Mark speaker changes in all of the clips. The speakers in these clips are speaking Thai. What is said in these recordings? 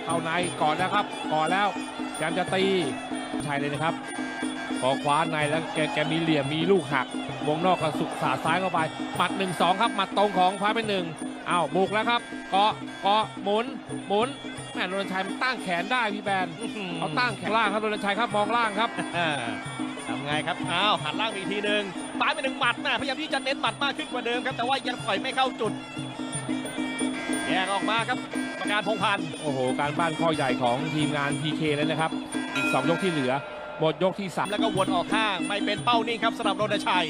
Speaker 1: เข้าในก่อนแล้วครับก่อนแล้วพยายามจะตีใช่เลยนะครับพอคว้าในแล้วแกมีเหลี่ยมมีลูกหักวงนอกกระสุกสาดซ้ายเข้าไปหมัด 1-2 ครับหมัดตรงของฟ้าเป็นหนึ่งอ้าวบุกแล้วครับเกาะหมุนแม่รณชัยมันตั้งแขนได้พี่แบนเอาตั้งแขนล่างครับรณชัยครับมองล่างครับ
Speaker 2: ทำไงครับอ้าวหันล่างอีกทีหนึ่งปาไป1 หมัดนะพยายามที่จะเน้นหมัดมากขึ้นกว่าเดิมครับแต่ว่ายังต่อยไม่เข้าจุดแยกออกมาครับกรรมการพงษ์พันธ์
Speaker 1: โอ้โหการบ้านข้อใหญ่ของทีมงาน PK เลยนะครับอีก2 ยกที่เหลือหมดยกที่3
Speaker 2: แล้วก็วนออกข้างไม่เป็นเป้านิ่งครับสำหรับรณชัย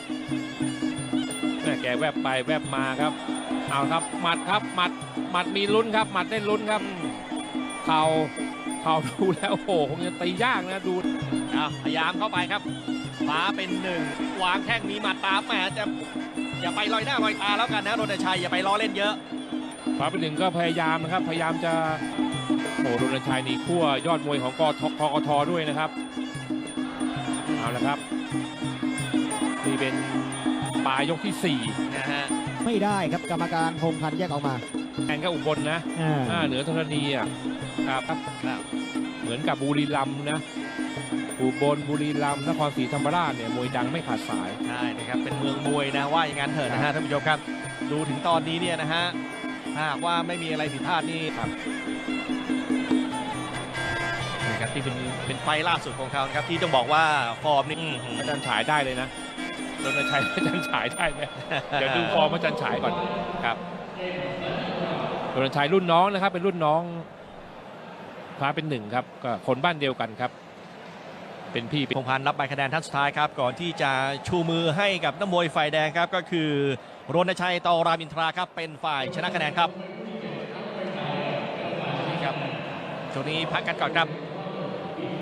Speaker 1: แม่แกแวบไปแวบมาครับเอาครับหมัดครับหมัดมีลุ้นครับหมัดได้ลุ้นครับเข่าดูแล้วโอ้โหคงจะตียากนะดู
Speaker 2: พยายามเข้าไปครับฟ้าเป็น1วางแข้งมีหมัดตามแหมจะอย่าไปลอยหน้าลอยตาแล้วกันนะรณชัยอย่าไปล้อเล่นเยอะ
Speaker 1: ฟ้าเป็นหนึ่งก็พยายามนะครับพยายามจะโอ้โหรณชัยนี่ขั้วยอดมวยของกทด้วยนะครับเอาละครับนี่เป็นปลายยกที่4
Speaker 2: นะฮะ
Speaker 3: ไม่ได้ครับกรรมการพงษ์พันธ์แยกออกมา
Speaker 1: แอนก็อุบลนะเหนือธรณีอ่ะครับเหมือนกับบุรีรัมย์นะอุบลบุรีรัมย์นครศรีธรรมราชเนี่ยมวยดังไม่ขาดสาย
Speaker 2: ใช่นะครับเป็นเมืองมวยนะว่าอย่างนั้นเถอะนะฮะท่านผู้ชมครับดูถึงตอนนี้เนี่ยนะฮะถ้าหากว่าไม่มีอะไรผิดพลาดนี่ครับนะครับที่เป็นไฟล่าสุดของเขานะครับที่ต้องบอกว่าฟอร์มนี่
Speaker 1: อาจารย์ฉายได้เลยนะรณชัยอาจารย์ฉายได้ไหมเดี๋ยวดูฟอร์มอาจารย์ฉายก่อนครับรณชัยรุ่นน้องนะครับเป็นรุ่นน้องฟ้าเป็น1ครับก็คนบ้านเดียวกันครับเป็นพี่
Speaker 2: พงษ์พันธ์รับใบคะแนนท่านสุดท้ายครับก่อนที่จะชูมือให้กับนักมวยฝ่ายแดงครับก็คือรณชัยตรามอินทราครับเป็นฝ่ายชนะคะแนนครับนี่ครับช่วงนี้พักกันก่อนครับ